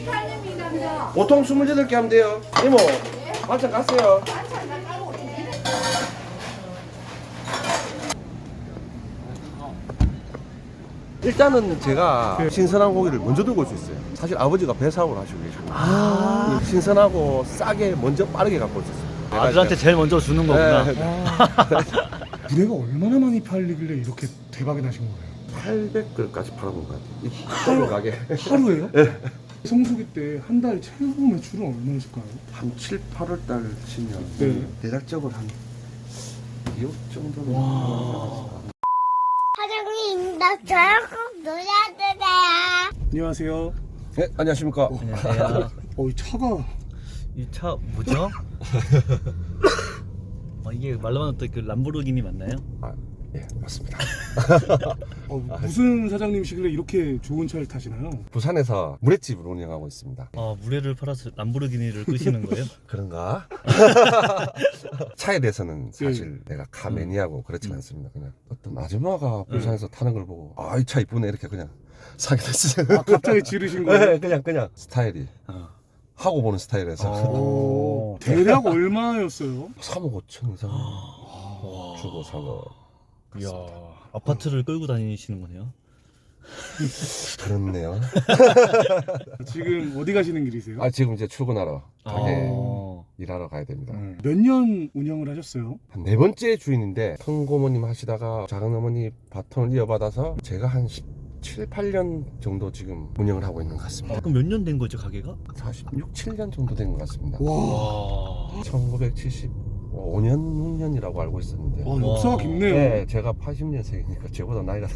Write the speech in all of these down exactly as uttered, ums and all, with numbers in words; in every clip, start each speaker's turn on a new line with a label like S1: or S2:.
S1: 보통 스물여덟 개 하면 돼요. 이모, 반찬 갔어요. 일단은 제가 신선한 고기를 먼저 들고 올 수 있어요. 사실 아버지가 배사업을 하시고 계시고 아 신선하고 싸게 먼저 빠르게 갖고 올 수 있어요.
S2: 아들한테 제일 먼저 주는 거구나.
S1: 네.
S3: 물회가 얼마나 많이 팔리길래 이렇게 대박이 나신 거예요?
S1: 팔백 그릇까지 팔아본 것 같아요. 이 하루 가게.
S3: 하루에요? 네. 성수기 때 한 달 최고 매출은 얼마였을까요?
S1: 한 칠, 팔월 달 치면
S3: 네.
S1: 대략적으로 한 이억 정도는.
S4: 사장님, 나 저랑 꼭 놀아주세요.
S3: 안녕하세요.
S1: 네, 안녕하십니까.
S2: 안녕하세요.
S3: 어, 이 차가
S2: 이 차 뭐죠? 어, 이게 말로만 듣던 그 람보르기니 맞나요?
S1: 아, 예, 맞습니다.
S3: 어, 무슨 사장님이시길래 이렇게 좋은 차를 타시나요?
S1: 부산에서 물회집을 운영하고 있습니다.
S2: 어, 물회를 팔아서 람보르기니를 끄시는 거예요?
S1: 그런가? 차에 대해서는 사실 내가 카 매니아고 그렇진
S2: 음.
S1: 않습니다. 그냥 어떤 아줌마가 부산에서 타는 걸 보고 아, 이 차 이쁘네 이렇게 그냥 사게 됐어요.
S3: 아, 갑자기 지르신 거예요?
S1: 네, 그냥 그냥 스타일이
S2: 어.
S1: 하고 보는 스타일에서
S3: 오, 대략 얼마였어요?
S1: 삼억 오천 이상 주고 사고.
S2: 이야, 아파트를 끌고 다니시는 거네요?
S1: 그렇네요.
S3: 지금 어디 가시는 길이세요?
S1: 아, 지금 이제 출근하러 가게
S2: 어.
S1: 일하러 가야 됩니다.
S3: 몇 년 운영을 하셨어요?
S1: 한 네 번째 주인인데 큰 고모님 하시다가 작은 어머니 바톤을 이어받아서 제가 한 십칠, 팔 년 정도 지금 운영을 하고 있는 것 같습니다.
S2: 그럼 몇 년 된 거죠, 가게가?
S1: 사십육, 칠 년 정도 된 것 같습니다.
S3: 와,
S2: 와.
S1: 천구백칠십오 년, 육 년이라고 알고 있었는데
S3: 아, 역사가
S2: 와.
S3: 깊네요.
S1: 네, 제가 팔십 년생이니까 저보다 나이가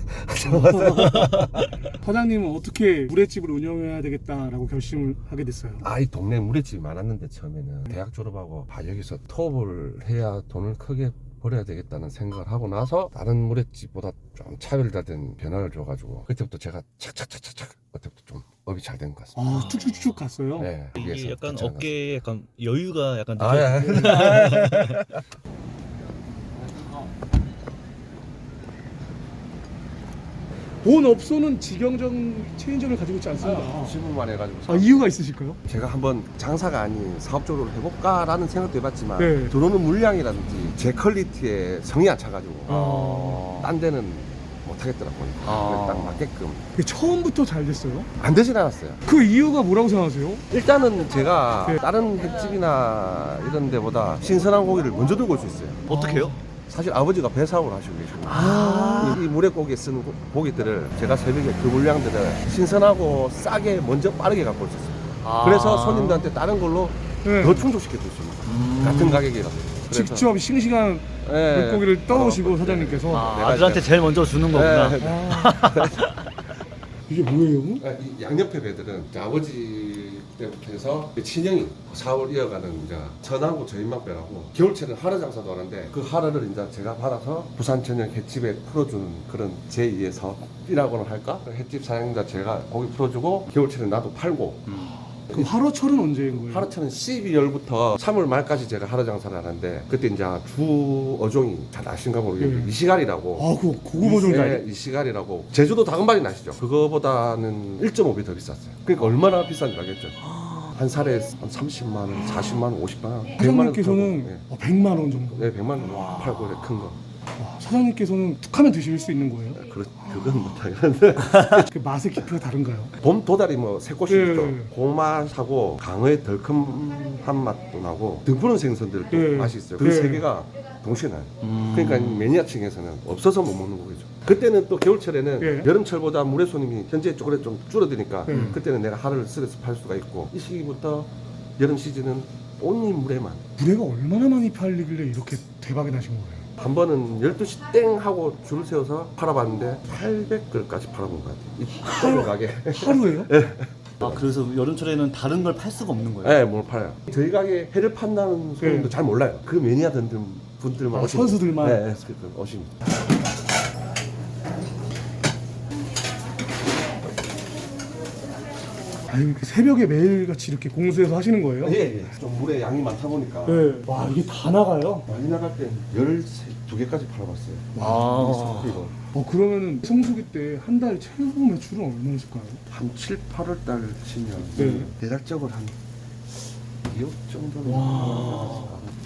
S3: 사장님은 어떻게 물회집을 운영해야 되겠다라고 결심을 하게 됐어요?
S1: 아, 이 동네 물회집이 많았는데 처음에는 대학 졸업하고 아, 여기서 투업을 해야 돈을 크게 벌어야 되겠다는 생각을 하고 나서 다른 물회집보다 좀 차별화된 변화를 줘가지고 그때부터 제가 착착착착착 그때부터 좀 업이 잘 된 것 같습니다.
S3: 아, 쭉쭉쭉 갔어요?
S1: 네,
S2: 이게
S1: 위에서
S2: 약간
S1: 괜찮은 것
S2: 어깨에 약간 여유가 약간
S1: 같습니다. 아, 예.
S3: 본 업소는 직영점 체인점을 가지고 있지 않습니다.
S1: 시부만 해가지고
S3: 아, 이유가 있으실까요?
S1: 제가 한번 장사가 아닌 사업적으로 해볼까라는 생각도 해봤지만
S3: 네.
S1: 들어오는 물량이라든지 제 퀄리티에 성이 안 차가지고
S3: 아.
S1: 딴 데는 못하겠더라고요.
S2: 아.
S1: 딱 맞게끔
S3: 그게 처음부터 잘 됐어요?
S1: 안 되진 않았어요.
S3: 그 이유가 뭐라고 생각하세요?
S1: 일단은 제가
S3: 네.
S1: 다른 횟집이나 이런 데보다 신선한 고기를 먼저 들고 올 수 있어요.
S2: 어떻게요?
S1: 사실 아버지가 배사업을 하시고 계시고
S3: 아.
S1: 이, 이 물회고기에 쓰는 고- 고기들을 제가 새벽에 그 물량들을 신선하고 싸게 먼저 빠르게 갖고 올 수 있어요.
S2: 아.
S1: 그래서 손님들한테 다른 걸로
S3: 네.
S1: 더 충족시켜 줄 수 있는 거예요.
S2: 음.
S1: 같은 가격이라서. 그래서-
S3: 직접 싱싱한
S1: 예.
S3: 물고기를 떠오시고
S1: 어,
S3: 사장님께서
S2: 아,
S1: 내가
S2: 아들한테
S1: 이제-
S2: 제일 먼저 주는 거구나.
S1: 예.
S3: 아. 이게 뭐예요?
S1: 아, 이 양옆에 배들은 이제 아버지 때부터 해서 친형이 사업을 이어가는 이제 전하고 저인막배라고 겨울철에는 하루 장사도 하는데 그 하루를 이제 제가 받아서 부산 전역 횟집에 풀어주는 그런 제이의 사업이라고는 할까? 그 횟집 사장님과 제가 고기 풀어주고 겨울철에 나도 팔고
S3: 그 하루철은 언제인 거예요?
S1: 하루철은 십이월부터 삼월 말까지 제가 하루 장사를 하는데 그때 이제 주 어종이 잘 아신가 모르겠는데
S3: 예.
S1: 이시갈이라고
S3: 아, 그 고급 버전 잘.
S1: 네, 이시갈이라고 제주도 다금바리 나시죠? 그거보다는 일 점 오 배 더 비쌌어요. 그러니까 얼마나 비싼지 알겠죠? 한 살에 한 삼십만 원, 사십만 원, 오십만 원, 백만 원
S3: 사장님께서는
S1: 팔고,
S3: 어, 백만 원 정도.
S1: 네, 백만 원 팔고 이렇게 큰 거.
S3: 와, 사장님께서는 툭하면 드실 수 있는 거예요?
S1: 그, 그건 못하겠는데
S3: 그 맛의 깊이가 다른가요?
S1: 봄 도다리 뭐 새꽃이
S3: 예.
S1: 있죠. 그 맛하고 강어의 덜큼한 맛도 나고 등푸른 생선들도
S3: 예.
S1: 맛이 있어요. 그
S3: 예.
S1: 세 개가 동시에 나요.
S2: 음.
S1: 그러니까 매니아층에서는 없어서 못 먹는 거죠. 그때는 또 겨울철에는
S3: 예.
S1: 여름철보다 물회 손님이 현재 쪼그레 좀 줄어드니까
S3: 예.
S1: 그때는 내가 하루를 쓸어서 팔 수가 있고 이 시기부터 여름 시즌은 온리 물회만
S3: 물회가 얼마나 많이 팔리길래 이렇게 대박이 나신 거예요?
S1: 한 번은 열두 시 땡 하고 줄을 세워서 팔아봤는데 팔백 그릇까지 팔아본 것 같아요. 이 하루 가게.
S3: 하루에요?
S2: 아, 그래서 여름철에는 다른 걸 팔 수가 없는 거예요?
S1: 네, 뭘 팔아요. 저희 가게 회를 판다는 손님도
S3: 네.
S1: 잘 몰라요. 그 매니아 들 분들만
S3: 아,
S1: 오시면-
S3: 선수들만?
S1: 네, 네, 그 오십니다.
S3: 아 이렇게 새벽에 매일같이 이렇게 공수해서 하시는 거예요?
S1: 예, 예. 좀 물에 양이 많다 보니까
S3: 네. 와 이게 다 나가요?
S1: 많이 나갈 때 열두 개까지 팔아봤어요.
S2: 아.
S1: 이거
S3: 어 그러면은 성수기 때 한 달 최고 매출은 얼마나 있을까요?
S1: 한 칠, 팔월 달 치면
S3: 네.
S1: 대략적으로 한 이억 정도는.
S3: 와.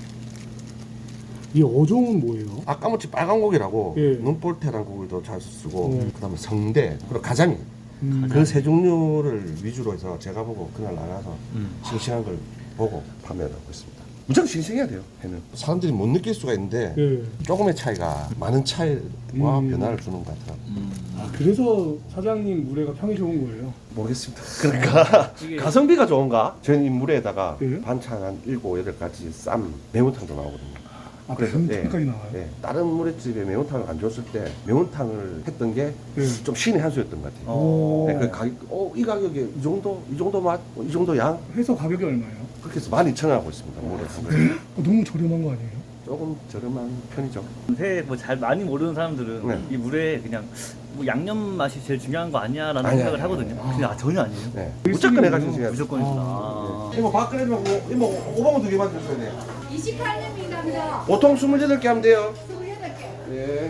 S3: 이 어종은 뭐예요?
S1: 아까무치 빨간 고기라고
S3: 예.
S1: 눈볼테란 고기도 잘 쓰고
S3: 음.
S1: 그다음에 성대 그리고 가자미
S3: 음.
S1: 그 세 종류를 위주로 해서 제가 보고 그날 나가서
S2: 음.
S1: 싱싱한 걸 보고 판매를 하고 있습니다. 무조건 싱싱해야 돼요. 회는 사람들이 못 느낄 수가 있는데
S3: 예.
S1: 조금의 차이가 많은 차이와
S3: 음.
S1: 변화를 주는 것 같아요.
S2: 음.
S3: 아 그래서 사장님 물회가 평이 좋은 거예요?
S1: 모르겠습니다. 그러니까
S2: 이게-
S1: 가성비가 좋은가? 저는 이 물에다가
S3: 예?
S1: 반찬 한 일곱 여덟 가지 쌈 매운탕도 나오거든요.
S3: 아
S1: 그래서,
S3: 매운탕까지
S1: 예,
S3: 나와요?
S1: 예. 다른 물회집에 매운탕을 안 줬을 때 매운탕을 했던 게 좀
S3: 예.
S1: 신의 한 수였던 것 같아요.
S3: 오.
S1: 네, 그 가격, 어, 이 가격에 이 정도, 이 정도 맛, 이 정도 양?
S3: 회서 가격이 얼마예요?
S1: 그렇게 해서 만 이천 원 하고 있습니다. 물에.
S3: 어, 너무 저렴한 거 아니에요?
S1: 조금 저렴한 편이죠.
S2: 회 뭐 잘 많이 모르는 사람들은
S1: 네.
S2: 이 물에 그냥 뭐 양념 맛이 제일 중요한 거 아니야라는
S1: 아니,
S2: 생각을
S1: 아니,
S2: 하거든요.
S3: 아니.
S2: 근데 아, 전혀 아니에요.
S1: 네.
S3: 일순위군요.
S1: 무조건 해가지고 지금.
S2: 무조건이구나.
S3: 아.
S2: 아.
S1: 이모 밥 끓이면 뭐, 이모 오봉 두 개만 주셔야 돼요.
S5: 이십팔 년입니다.
S1: 보통 스물여덟 개 하면 돼요.
S5: 스물여덟 개.
S1: 예.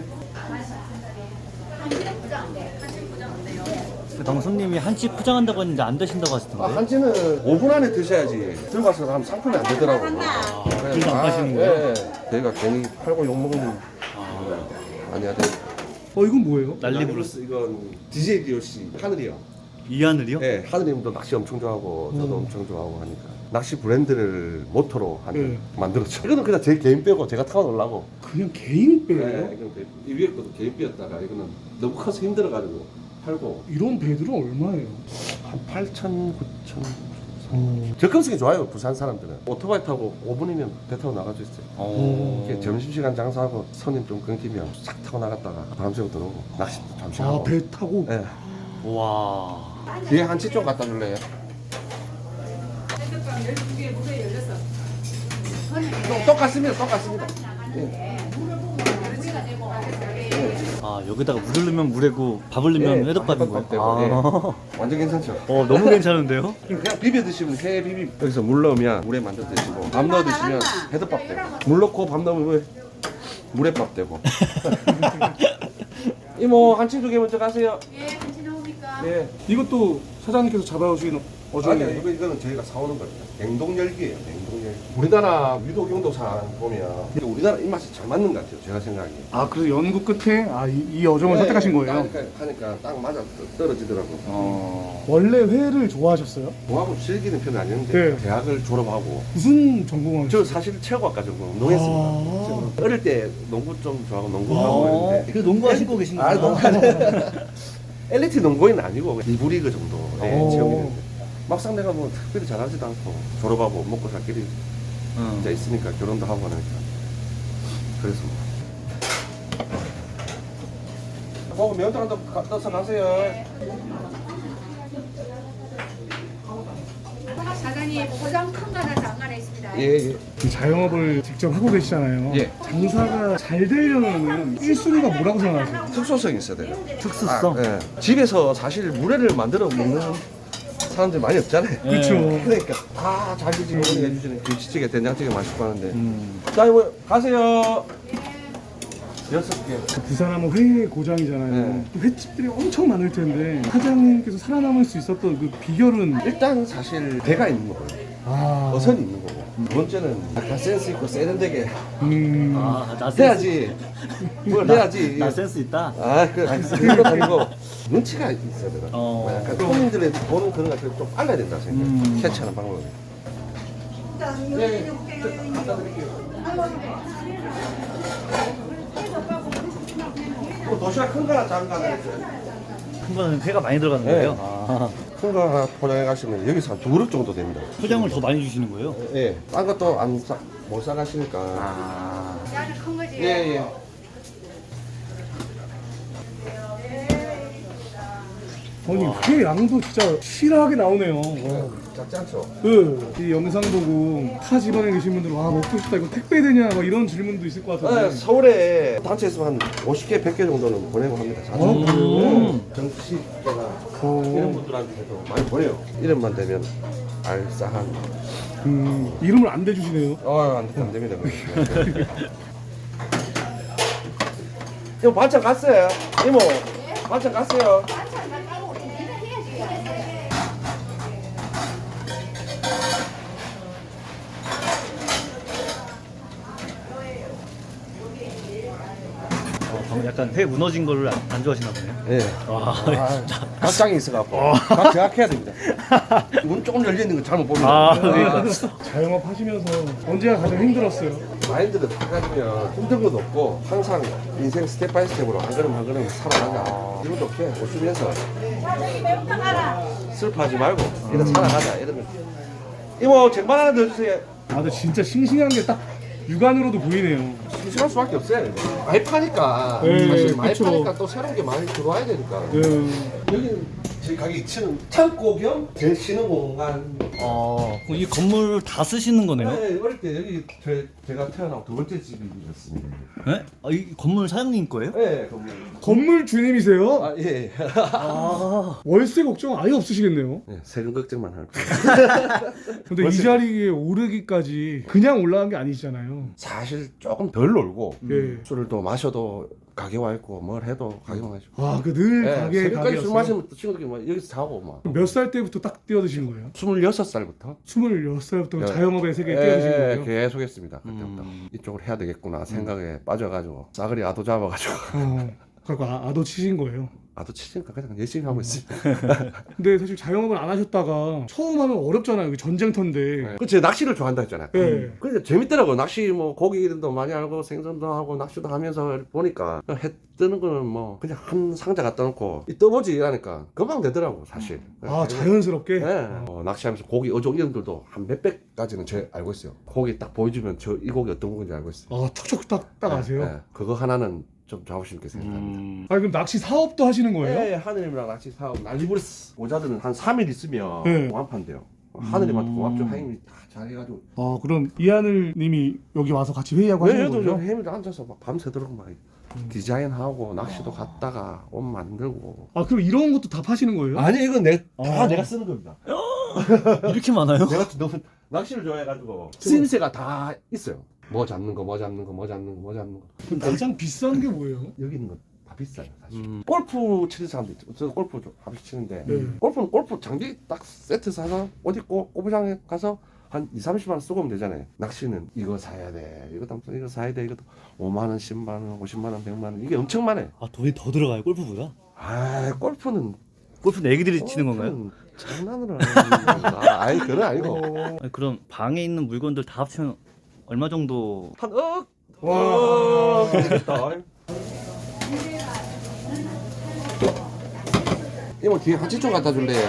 S5: 한시는 부장. 네, 한시는 부장 안 돼요.
S2: 방금 손님이 한치 포장한다고 했는데 안 되신다고
S1: 아,
S2: 하시던데.
S1: 한지는 오 분 안에 드셔야지. 들어가서 하면 상품이 안 되더라고요.
S2: 아, 그래서 안 파시는 거예요?
S1: 예, 예. 저희가 괜히 팔고 욕먹는 아니야 돼.
S3: 어 이건 뭐예요?
S2: 난리 부르
S1: 플러스 이건 디제이 디오씨 하늘이요.
S2: 이하늘이요?
S1: 예, 하늘님도 낚시 엄청 좋아하고 저도
S3: 음.
S1: 엄청 좋아하고 하니까 낚시 브랜드를 모토로 한
S3: 예.
S1: 만들었죠. 이거는 그냥 제 개인 빼고 제가 타고 놀라고.
S3: 그냥 개인
S1: 예,
S3: 배예요?
S1: 이건 그- 이 위에 것도 개인 빼였다가 이거는 너무 커서 힘들어가지고 팔고
S3: 이런 배들은 얼마예요?
S1: 한 팔천, 구천.
S3: 어.
S1: 접근성이 좋아요 부산 사람들은. 오토바이 타고 오 분이면 배 타고 나갈 수 있어요.
S2: 어.
S1: 이렇게 점심시간 장사하고 손님 좀 끊기면 싹 타고 나갔다가 바람 쐬고 들어오고 낚시도 잠시 하고.
S3: 아 배 타고?
S1: 예.
S2: 와.
S1: 뒤에 한치 좀 갖다 줄래요?
S5: 핸드폰 열두 개 무대 열렸어.
S1: 똑- 똑같습니다. 똑같습니다. 예.
S2: 아 여기다가 물을 넣으면 물회고 밥을 넣으면
S1: 예,
S2: 회덮밥인
S1: 회덮밥
S2: 거예요?
S1: 되고,
S2: 아.
S1: 완전 괜찮죠?
S2: 어 너무 괜찮은데요?
S1: 그냥 비벼 드시면 회 비빔 여기서 물 넣으면 물에 만들어 드시고 밥 넣어 드시면 회덮밥 되고 물 넣고 밥 넣으면 물회밥 되고. 이모 한치 두 개 먼저 가세요.
S5: 예, 한시 나옵니까?
S1: 예.
S3: 이것도 사장님께서 잡아오신
S1: 아니
S3: 어종이에요?
S1: 이거 이거는 저희가 사오는 겁니다. 냉동 열기예요. 냉동 열기. 우리나라 유독 용도상 보면 이게 우리나라 입맛이 잘 맞는 것 같아요. 제가 생각하기에.
S3: 아 그래서 연구 끝에 아, 이, 이 어종을 선택하신 거예요?
S1: 그러니까 하니까 딱 맞아 떨어지더라고.
S2: 어.
S3: 원래 회를 좋아하셨어요?
S1: 뭐하고 즐기는 편은 아니었는데
S3: 네.
S1: 대학을 졸업하고
S3: 무슨 전공하셨어요?
S1: 저 사실 체육학과 전공 농했습니다.
S3: 아.
S1: 지금 어릴 때 농구 좀 좋아하고 농구하고
S2: 어.
S1: 했는데
S2: 그 농구하시고 계신
S1: 아,
S2: 거구나.
S1: 농구 엘리트 농구인은 아니고 일부 리그 정도의
S3: 오.
S1: 체육이었는데 막상 내가 뭐 특별히 잘하지도 않고 졸업하고 먹고 살 길이
S2: 응.
S1: 이제 있으니까 결혼도 하고 하니까 그래서 뭐 어, 면도 한번 떠서 가세요.
S5: 사장님 포장 큰 거 하나 장안에 있습니다.
S1: 예예.
S3: 이 자영업을 직접 하고 계시잖아요.
S1: 예.
S3: 장사가 잘 되려면 일 순위가 뭐라고 생각하세요?
S1: 특수성이 있어야 돼요.
S2: 특수성.
S1: 아, 예. 집에서 사실 물회를 만들어 먹는 사람들이 많이 없잖아요.
S2: 네.
S3: 그렇죠.
S1: 그러니까 다 자기 집 어머니가 해주시는 김치찌개, 된장찌개 맛있고 하는데
S2: 음.
S1: 자 이거 가세요. 여섯 개.
S3: 부산하면 회 고장이잖아요.
S1: 네.
S3: 또 횟집들이 엄청 많을 텐데 사장님께서 살아남을 수 있었던 그 비결은
S1: 일단 사실 배가 있는 거고요.
S3: 아
S1: 어선이 있는 거고. 두 번째는 약간 센스 있고 세련되게
S3: 음.
S2: 아, 나 센스.
S1: 해야지. 뭘 해야지.
S2: 나 센스 있다.
S1: 아, 그, 그건 아니고 눈치가 있어야 되나.
S2: 어.
S1: 뭐 약간 손님들의 보는 그런 것을 좀 빨라야 된다 생각해.
S2: 음.
S1: 캐치하는 방법이. 네, 저 갖다 드릴게요. 뭐 도시락 큰 거나 작은 거 하나 있어요?
S2: 큰 거는 회가 많이 들어가는
S1: 네.
S2: 거예요? 아.
S1: 큰 거 하나 포장해 가시면 여기서 한 두 그릇 정도 됩니다.
S2: 포장을 더 많이 주시는 거예요?
S1: 예. 딴 것도 안 싸, 못 사가시니까.
S2: 아.
S5: 나는 큰 거지.
S1: 예, 예.
S3: 아니 회 양도 진짜 실하게 나오네요. 와.
S1: 작지 않죠?
S3: 그, 이 영상 보고 타 집안에 계신 분들 와 먹고 싶다 이거 택배 되냐 막 이런 질문도 있을 것
S1: 네,
S3: 같은데
S1: 서울에 단체에서 한 오십 개, 백 개 정도는 보내고 합니다. 자주.
S3: 어,
S1: 네.
S3: 음.
S1: 정식계나
S3: 오.
S1: 이런 분들한테도 많이 보내요. 이름만 되면 알싸한.
S3: 음, 이름을 안 대주시네요.
S1: 어, 안, 안 됩니다. 이모 반찬 갔어요. 이모 반찬 갔어요.
S2: 어, 방금 약간 회 무너진 거를 안, 안 좋아하시나 보네요.
S1: 예.
S2: 와,
S1: 아, 각장이 있어갖고 각 제각해야 됩니다. 문 조금 열려 있는 거 잘못 보면
S2: 아,
S3: 아, 자영업 하시면서 언제가 가장 힘들었어요?
S1: 마인드를 딱 가지면 힘든 것도 없고 항상 인생 스텝 바이 스텝으로 한 걸음 한 걸음 살아가자. 이것도 없게 웃으면서 슬퍼하지 말고 이렇게 살아가자. 이러면 이모 쟁반 하나 더 주세요.
S3: 아, 근데 진짜 싱싱한 게 딱 육안으로도 보이네요.
S1: 심심할 수밖에 없어요. 이거. 많이 파니까
S3: 네,
S1: 사실 많이
S3: 그쵸.
S1: 파니까 또 새로운 게 많이 들어와야 되니까.
S3: 네.
S1: 여기는 저희 가게 이 층은 창고 겸 제일 쉬는 공간.
S2: 어, 이 건물 다 쓰시는 거네요?
S1: 네, 어릴 때 여기 제, 제가 태어나고 두 번째 집이었습니다.
S2: 네? 아, 이 건물 사장님 거예요?
S1: 네, 건물.
S3: 건물 주님이세요?
S1: 아 예.
S2: 아,
S3: 월세 걱정 아예 없으시겠네요.
S1: 네, 세금 걱정만 할 거예요.
S3: 근데 이
S1: 월세-
S3: 자리에 오르기까지 그냥 올라간 게 아니잖아요.
S1: 사실 조금 덜 놀고
S3: 예.
S1: 술을 또 마셔도 가게 와 있고 뭘 해도 가게 와 있고.
S3: 아, 그 늘
S1: 네,
S3: 가게
S1: 새벽까지 술
S3: 가게였어요.
S1: 마시면 또 친구들끼리 막 여기서 자고 막.
S3: 몇 살 때부터 딱 뛰어드신 거예요?
S1: 스물여섯 살부터
S3: 스물여섯 살부터
S1: 예.
S3: 자영업의 세계에 뛰어드신
S1: 예,
S3: 거예요?
S1: 계속 했습니다. 그때부터
S2: 음.
S1: 이쪽을 해야 되겠구나 생각에 빠져가지고 싸그리 아도 잡아가지고
S3: 어, 그러니까 아, 아도 치신 거예요.
S1: 아도 치니까 그냥 열심히 하고 있어요.
S3: 근데 사실 자영업을 안 하셨다가 처음 하면 어렵잖아요. 이게 전쟁터인데.
S1: 그 제가 낚시를 좋아한다 했잖아요.
S3: 예.
S1: 근데 재밌더라고. 낚시 뭐 고기도 많이 알고 생선도 하고 낚시도 하면서 보니까 해 뜨는 거는 뭐 그냥 한 상자 갖다 놓고 이 떠보지 이러니까 금방 되더라고 사실.
S3: 아, 자연스럽게?
S1: 네. 어, 낚시하면서 고기 어종 이름들도 한 몇백 가지는 제 알고 있어요. 고기 딱 보여주면 저 이 고기 어떤 고기인지 알고 있어요.
S3: 아, 척척 딱, 딱 아세요?
S1: 네, 네. 그거 하나는 좀 자부심 있게 생각합니다.
S2: 음.
S3: 아니, 그럼 낚시 사업도 하시는 거예요?
S1: 네, 하느님이랑 낚시 사업 난리부르스 모자들은 한 삼 일 있으면
S3: 네.
S1: 공합한대요. 하느님한테 공합 좀 하임이 다 잘해가지고.
S3: 아, 그럼 이하늘 님이 여기 와서 같이 회의하고 하시는
S1: 얘도
S3: 거예요?
S1: 해밀 앉아서 막 밤새도록 막 디자인하고 낚시도 갔다가 옷 만들고.
S3: 아, 그럼 이런 것도 다 파시는 거예요?
S1: 아니 이건 내 다
S3: 아.
S1: 내가 쓰는 겁니다.
S2: 이렇게 많아요?
S1: 내가 너무 낚시를 좋아해가지고 쓰임새가 다 있어요. 뭐 잡는 거, 뭐 잡는 거, 뭐 잡는 거, 뭐 잡는 거.
S3: 그럼 가장 비싼 게 뭐예요?
S1: 여기 있는 거 다 비싸요 사실.
S2: 음.
S1: 골프 치는 사람도 있죠. 저 골프 좀 가끔씩 치는데
S3: 네.
S1: 골프는 골프 장비 딱 세트 사서 옷 입고 골프장에 가서 한 이삼십만 원 쓰고 오면 되잖아요. 낚시는 이거 사야 돼, 이거 담 이거 사야 돼, 이것도 오만 원, 십만 원, 오십만 원, 백만 원 이게 엄청 많아요.
S2: 아, 돈이 더 들어가요, 골프보다?
S1: 아 골프는
S2: 골프는 애기들이 치는 건가요?
S1: 골프는 장난으로 하는 거야. 아니 그건 아니고
S3: 어...
S2: 아니, 그럼 방에 있는 물건들 다 합치면 얼마 정도?
S1: 한 억.
S3: 와.
S1: 와 그렇겠다. 이모 뒤에 한치 좀 갖다 줄래요?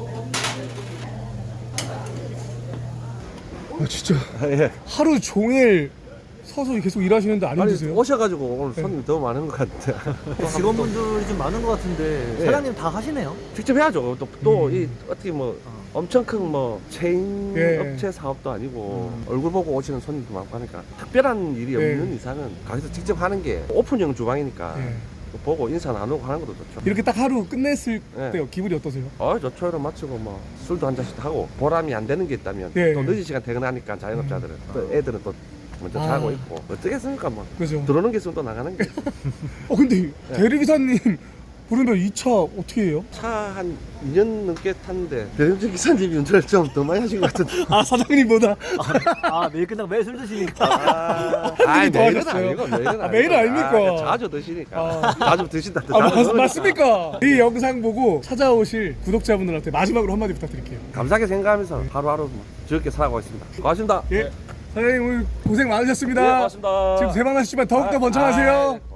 S3: 아, 진짜
S1: 예.
S3: 하루 종일 서서 계속 일하시는데 안
S1: 아니
S3: 힘드세요?
S1: 오셔가지고 오늘 손님이 더 많은 것 같아.
S6: 직원분들이 좀 많은 것 같은데
S1: 네.
S6: 사장님 다 하시네요?
S1: 직접 해야죠. 또 또 이 어떻게 뭐 엄청 큰 뭐 체인
S3: 예.
S1: 업체 사업도 아니고 얼굴 보고 오시는 손님도 많고 하니까 특별한 일이
S3: 예.
S1: 없는 이상은 가게에서 직접 하는 게 오픈형 주방이니까
S3: 예.
S1: 보고 인사 나누고 하는 것도 좋죠.
S3: 이렇게 딱 하루 끝냈을
S1: 예.
S3: 때 기분이 어떠세요?
S1: 어, 좋죠. 이런 마치고 뭐 술도 한 잔씩 하고 보람이 안 되는 게 있다면
S3: 예.
S1: 또 늦은 시간 퇴근하니까 자영업자들은 또 애들은 또 먼저
S3: 아.
S1: 자고 있고 어떻겠습니까 뭐
S3: 그죠?
S1: 들어오는 게 있으면 또 나가는 게
S3: 어, 근데
S1: 예.
S3: 대리기사님 부르면 이 차 어떻게 해요?
S1: 차 한 이 년 넘게 탔는데 대리운전 기사님이 운전을 좀 더 많이 하신 것 같은데.
S3: 아, 사장님보다?
S6: 아 매일 끝나고 매일 술 드시니까
S1: 아,
S3: 분이 더
S1: 매일은
S3: 하셨어요?
S1: 아니고 매일은
S3: 아,
S1: 아니고.
S3: 매일은 아닙니까?
S1: 아, 자주 드시니까
S3: 아.
S1: 자주 드신다.
S3: 아, 맞,
S1: 자주
S3: 맞습니까? 이 영상 보고 찾아오실 구독자분들한테 마지막으로 한마디 부탁드릴게요.
S1: 감사하게 생각하면서 하루하루 뭐 즐겁게 살아가고 있습니다. 고맙습니다.
S3: 예. 사장님 오늘 고생 많으셨습니다.
S1: 네, 고맙습니다.
S3: 지금 대박 나시지만 더욱더 번창하세요.
S1: 아,